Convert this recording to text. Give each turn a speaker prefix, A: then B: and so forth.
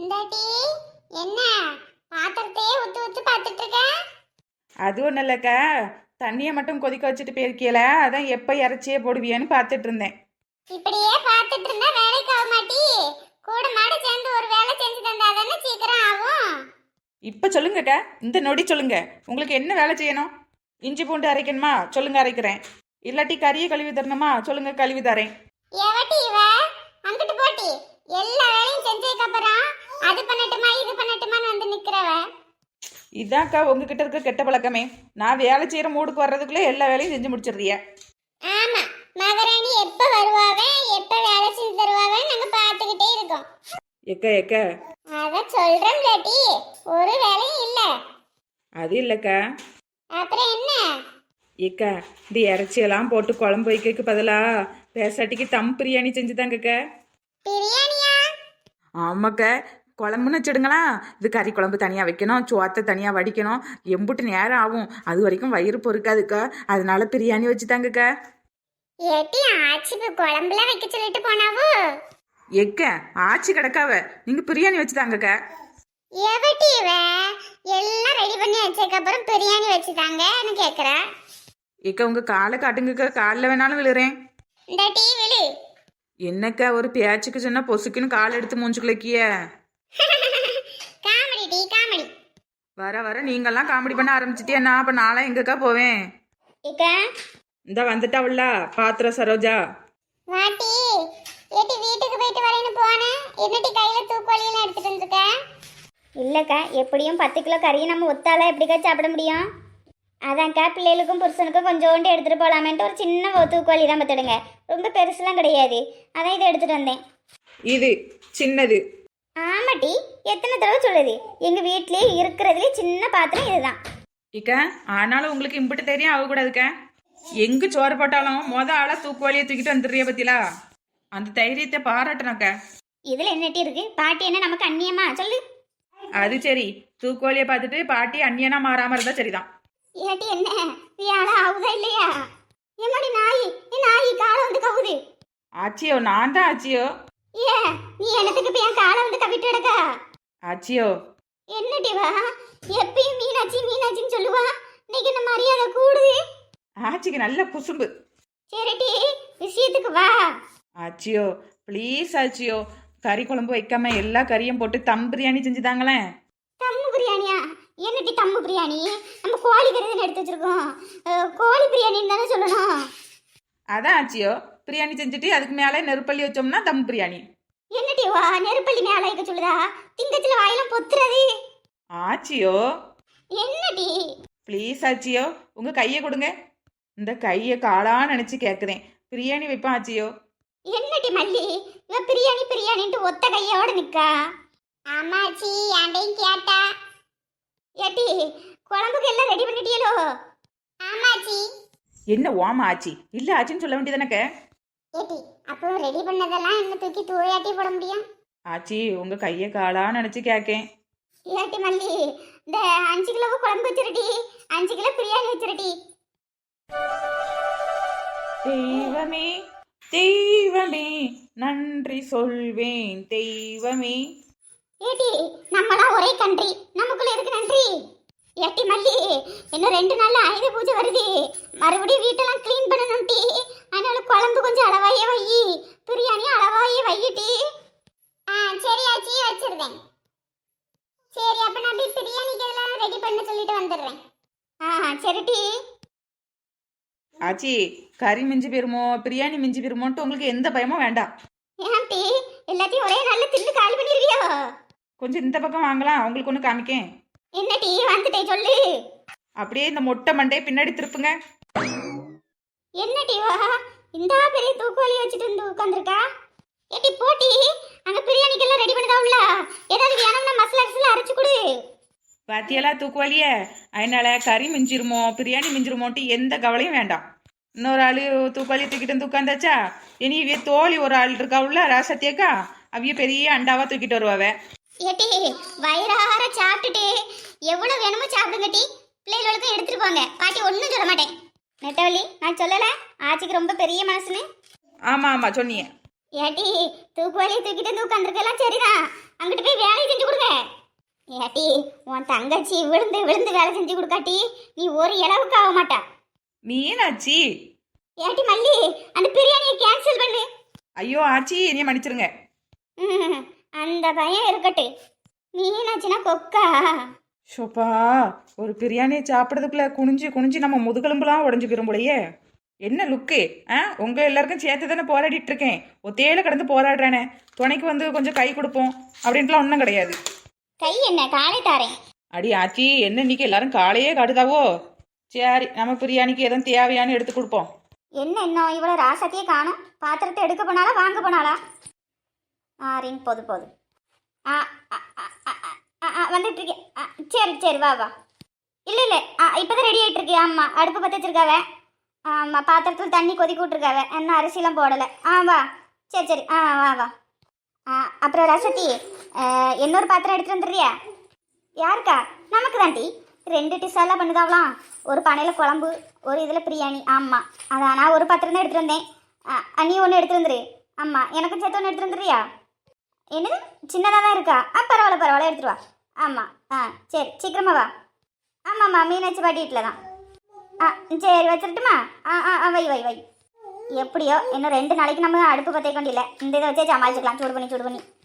A: இந்தாட்டி என்ன பாத்திரத்தையே ஊத்து ஊத்து பார்த்துட்டு இருக்க?
B: அது ஒன்றும் இல்லைக்கா, தண்ணியை மட்டும் கொதிக்க வச்சுட்டு போயிருக்கீல, அதான் எப்போ இறச்சியே போடுவியன்னு பார்த்துட்டு இருந்தேன்.
A: இப்படியே பார்த்துட்டு இருந்தா வேலைக்கு ஆக மாட்டி. கூட மாட சேர்ந்து ஒரு வேலை செஞ்சு தந்தா தானே சீக்கிரம் ஆகும்.
B: இப்போ சொல்லுங்கக்கா, இந்த நொடி சொல்லுங்க, உங்களுக்கு என்ன வேலை செய்யணும்? இஞ்சி பூண்டு அரைக்கணுமா? சொல்லுங்க, அரைக்கிறேன். இல்லாட்டி கறியை கழுவி தரணுமா? சொல்லுங்க, கழுவி தரேன்.
A: எவட்டி இவ அங்கிட்டு போட்டி எல்லா வேலையும் செஞ்சதுக்கு அப்புறம் அது பண்ணட்டுமா இது பண்ணட்டுமான்னு வந்து நிக்கிறவ.
B: இதான்க்கா உங்ககிட்ட இருக்க கெட்ட பழக்கமே. நான் வேலை செய்கிற மூடுக்கு வர்றதுக்குள்ளே எல்லா வேலையும் செஞ்சு முடிச்சிடுறிய.
A: ஆமா, மகாராணி எப்ப வருவாவே எப்ப வேலை செஞ்சு தருவாவே நாங்க பாத்துக்கிட்டே இருக்கோம்.
B: எக்கா எக்கா,
A: அத சொல்றேன் லேட்டி, ஒரு வேலையும் இல்ல.
B: அது இல்லைக்கா.
A: அப்புறம் என்ன?
B: ஏக்கா, இந்த இறைச்சியெல்லாம் போட்டு குழம்பு வைக்கிறதுக்கு பதிலாக பேசாட்டிக்கு தம் பிரியாணி செஞ்சு தாங்கக்கா.
A: பிரியாணியா?
B: ஆமாக்கா, குழம்புன்னு வச்சுடுங்களா, இது கறி குழம்பு தனியாக வைக்கணும், சோத்தை தனியாக வடிக்கணும், எம்புட்டு நேரம் ஆகும், அது வரைக்கும் வயிறு பொறுக்காதுக்கா. அதனால பிரியாணி வச்சு தாங்கக்கா.
A: ஏட்டி ஆச்சி இப்ப குழம்புல வைக்க சொல்லிட்டு போனாவோ?
B: எக்க ஆச்சி கிடக்காவ, நீங்கள் பிரியாணி வச்சு தாங்கக்கா.
A: எவட்டி இவ எல்லாம் ரெடி பண்ணி வச்சதுக்கு அப்புறம் பிரியாணி வச்சுட்டாங்கன்னு கேக்குற.
B: ஏக்கா, உங்கள் காலை காட்டுங்கக்கா, காலில் வேணாலும் விழுறேன்.
A: இந்த டீ விழு.
B: என்னக்கா, ஒரு பேச்சுக்கு சொன்னா பொசுக்குன்னு கால் எடுத்து மூஞ்சுக்குள்ளக்கிய.
A: Comedy tea comedy.
B: வர வர நீங்கெல்லாம் காமெடி பண்ண ஆரம்பிச்சிட்டியா? நான் அப்போ நாளாக எங்கக்கா போவேன்?
A: இக்கா
B: இந்த வந்துட்டாவுல்ல பாத்திர சரோஜா.
A: வாட்டி ஏட்டி வீட்டுக்கு போயிட்டு வரேன்னு போனேன். என்னட்டி கையில தூக்குவலியெல்லாம் எடுத்துட்டு வந்திருக்க? இல்லக்கா, எப்படியும் 10 கிலோ கறியை நம்ம ஒத்தால எப்படிக்கா சாப்பிட முடியும்? அதான்க்கா பிள்ளைகளுக்கும் புருஷனுக்கும் கொஞ்சோண்டு எடுத்துட்டு போகலாமேன்ட்டு ஒரு சின்ன தூக்குவலி தான் பார்த்துடுங்க, ரொம்ப பெருசுலாம் கிடையாது. அதான் இதை எடுத்துட்டு வந்தேன்.
B: இது சின்னது.
A: ஆமாட்டி, எத்தனை தடவை சொல்லுது, எங்க வீட்லயே இருக்கிறதுலே சின்ன பாத்திரம் இதுதான்.
B: இக்கா, ஆனாலும் உங்களுக்கு இம்பிட்டு தெரியும் ஆகக்கூடாதுக்கா. எங்க சோறு போட்டாலும் ஆளா தூக்குவாளியை தூக்கிட்டு வந்துடுறிய பத்திலா, அந்த தைரியத்தை பாராட்டணும்க்கா.
A: இதுல என்னட்டி இருக்கு? பாட்டி என்ன நமக்கு அந்நியமா? சொல்லு.
B: அது சரி, தூக்குவாளியை பார்த்துட்டு பாட்டி அந்நியனா மாறாம இருந்தா சரிதான்.
A: ஏட்டி என்ன வியாழ ஆகுதா இல்லையா? எம்மாடி நாய், நாய் காலை வந்து கவுது.
B: ஆச்சியோ, நான் தான் ஆச்சியோ.
A: ஏ நீ என்னத்துக்கு இப்ப என் காலை வந்து கவிட்டு எடுக்க?
B: ஆச்சியோ.
A: என்னடி வா எப்பயும் மீனாட்சி மீனாட்சின்னு சொல்லுவா, இன்னைக்கு இந்த மரியாதை கூடுது.
B: ஆச்சிக்கு நல்ல குசும்பு.
A: சரிட்டி, விஷயத்துக்கு வா.
B: ஆச்சியோ ப்ளீஸ் ஆச்சியோ, கறி குழம்பு வைக்காம எல்லா கறியும் போட்டு தம் பிரியாணி செஞ்சு தாங்களேன்.
A: தம்மு பிரியாணியா? என்னட்டி தம்மு பிரியாணி? நம்ம கோழி கறி எடுத்து வச்சிருக்கோம், கோழி பிரியாணின்னு தானே சொல்லணும்.
B: அதான் ஆச்சியோ, பிரியாணி செஞ்சுட்டு அதுக்கு மேலே நெருப்பள்ளி வச்சோம்னா தம் பிரியாணி.
A: என்னடி வா நெருப்பள்ளி மேல வைக்க சொல்லுதா? திங்கத்துல வாயிலாம் பொத்துறது.
B: ஆச்சியோ
A: என்னடி?
B: ப்ளீஸ் ஆச்சியோ, உங்க கையை கொடுங்க. இந்த கையை காலான்னு நினைச்சு கேட்குறேன், பிரியாணி வைப்பேன் ஆச்சியோ.
A: என்னடி மல்லி, இவ பிரியாணி பிரியாணின்ட்டு ஒத்த கையோட நிக்கா. ஆமாச்சி, ஆண்டையும் கேட்டா. ஏட்டி குழம்புக்கு எல்லாம் ரெடி பண்ணிட்டியலோ? ஆமாச்சி.
B: என்ன ஓமா ஆச்சி? இல்லை ஆச்சின்னு சொல்ல வேண்டியதானக்க.
A: ஏட்டி அப்போ ரெடி பண்ணதெல்லாம் என்ன தூக்கி தூயாட்டி போட முடியும்?
B: ஆச்சி, உங்க கையை காலான்னு நினைச்சு கேட்கேன்.
A: ஏட்டி மல்லி, இந்த 5 கிலோ குழம்பு வச்சிருடி, 5 கிலோ பிரியாணி வச்சிருடி.
B: தெய்வமே தெய்வமே நன்றி சொல்வேன் தெய்வமே.
A: ஏட்டி நம்மளாம் ஒரே கண்ட்ரி, நமக்குள்ள எதுக்கு நன்றி? ஏட்டி மல்லி, இன்னும் 2 நாள்ல ஆயுத பூஜை வருது, மறுபடியும் வீட்டெல்லாம் க்ளீன் பண்ணணும் டி. அதனால குழம்பு கொஞ்சம் அளவாயே வை, பிரியாணி அளவாயே வையிட்டி. சரி ஆச்சி, வச்சிருந்தேன். சரி, அப்ப நான் போய் பிரியாணிக்கு எல்லாம் ரெடி பண்ண சொல்லிட்டு வந்துடுறேன். சரி டி.
B: ஆச்சி, கறி மிஞ்சி போயிருமோ பிரியாணி மிஞ்சி போயிருமோன்ட்டு உங்களுக்கு எந்த பயமும் வேண்டாம்.
A: ஏன் டி எல்லாத்தையும் ஒரே நாள்ல தின்னு காலி பண்ணிருவியோ?
B: கொஞ்சம் இந்த பக்கம் வாங்கலாம், உங்களுக்கு ஒன்று காமிக்கேன்.
A: என்ன டி வந்துட்டே சொல்லு.
B: அப்படியே இந்த மொட்டை மண்டையை பின்னாடி திருப்புங்க.
A: என்ன டி வா இந்த பெரிய தூக்குவாளி வச்சுட்டு வந்து உட்காந்துருக்கா? ஏட்டி போட்டி, அங்க பிரியாணிக்கெல்லாம் ரெடி பண்ணதா உள்ள, ஏதாவது வேணும்னா மசாலா அரிசில அரைச்சு கொடு.
B: பாத்தியெல்லாம் தூக்குவாளிய, அதனால கறி மிஞ்சிருமோ பிரியாணி மிஞ்சிருமோன்ட்டு எந்த கவலையும் வேண்டாம். இன்னொரு ஆள் தூக்குவாளியை தூக்கிட்டு வந்து உட்காந்தாச்சா, இனி இவிய தோழி ஒரு ஆள் இருக்கா உள்ள ராசத்தியக்கா, அவிய பெரிய அண்டாவா தூக்கிட்டு வருவாவ.
A: ஏட்டி வயிறார சாப்பிட்டுட்டு எவ்வளவு வேணுமோ சாப்பிடுங்க டி, பிள்ளைகளுக்கும் எடுத்துட்டு போங்க. பாட்டி ஒன்றும் சொல்ல மாட்டேன். நெட்டவள்ளி, நான் சொல்லல ஆச்சிக்கு ரொம்ப பெரிய மனசுன்னு?
B: ஆமா ஆமா சொன்னீங்க.
A: ஏட்டி தூக்குவாளியை தூக்கிட்டு வந்து உட்காந்துருக்கலாம் சரிதான், அங்கிட்டு போய் வேலையை செஞ்சு ஏட்டி உன் தங்கச்சி விழுந்து விழுந்து வேலை செஞ்சு கொடுக்காட்டி நீ ஒரு இளவுக்கு ஆக மாட்டா.
B: மீனாட்சி.
A: ஏட்டி மல்லி அந்த பிரியாணியை கேன்சல் பண்ணு.
B: ஐயோ ஆச்சி, என்னைய மன்னிச்சிருங்க.
A: அந்த பையன் இருக்கட்டு. மீனாட்சினா கொக்கா.
B: ஷோப்பா, ஒரு பிரியாணியை சாப்பிட்றதுக்குள்ள குனிஞ்சு குனிஞ்சு நம்ம முதுகெலும்புலாம் உடஞ்சு போயிரும் போலயே. என்ன லுக்கு? உங்க எல்லாருக்கும் சேர்த்து தானே போராடிட்டு இருக்கேன். ஒத்தையில கடந்து போராடுறானே, துணைக்கு வந்து கொஞ்சம் கை கொடுப்போம் அப்படின்ட்டுலாம் ஒன்றும் கிடையாது.
A: கை என்ன, காலை தாரேன்.
B: அடி ஆச்சி, என்ன இன்னைக்கு எல்லாரும் காலையே காடுதாவோ? சரி, நம்ம பிரியாணிக்கு எதுவும் தேவையானு எடுத்து கொடுப்போம்.
A: என்ன இன்னும் இவ்வளோ ராசத்தையே காணும்? பாத்திரத்தை எடுக்க போனாலா வாங்க போனாலா? ரிங் போது போது. வந்துட்டு இருக்கேன். சரி சரி வா வா. இல்லை இல்லை, இப்போதான் ரெடி ஆகிட்டு இருக்கேன். ஆமாம், அடுப்பு பற்ற வச்சிருக்காவ. ஆமாம், பாத்திரத்தில் தண்ணி கொதிக்க விட்ருக்காவ. இன்னும் அரிசிலாம் போடலை. வா. சரி சரி வா வா. அப்புறம் ரசத்தி, இன்னொரு பாத்திரம் எடுத்துட்டு வந்துடுறியா? யாருக்கா? நமக்கு தாண்டி. 2 டிஷ்ஷெல்லாம் பண்ணுதாவலாம். ஒரு பானையில் குழம்பு, ஒரு இதில் பிரியாணி. ஆமாம், அதான் நான் ஒரு பாத்திரம் தான் எடுத்துகிட்டு வந்தேன். நீ ஒன்று எடுத்துட்டு வந்துரு. ஆமாம், எனக்கும் சேர்த்து ஒன்று எடுத்துட்டு வந்துடுறியா? என்னது, சின்னதாக தான் இருக்கா? பரவாயில்ல பரவாயில்ல, எடுத்துட்டு வா. ஆமாம், சரி சீக்கிரமா வா. ஆமாம்மா, மீனாட்சி பாட்டி வீட்டில் தான். சரி வச்சிருட்டுமா? வை வை வை. எப்படியோ இன்னும் 2 நாளைக்கு நம்ம அடுப்பு பற்ற கொண்டில்லை. இந்த இதை வச்சே சமாளிச்சுக்கலாம். சூடு பண்ணி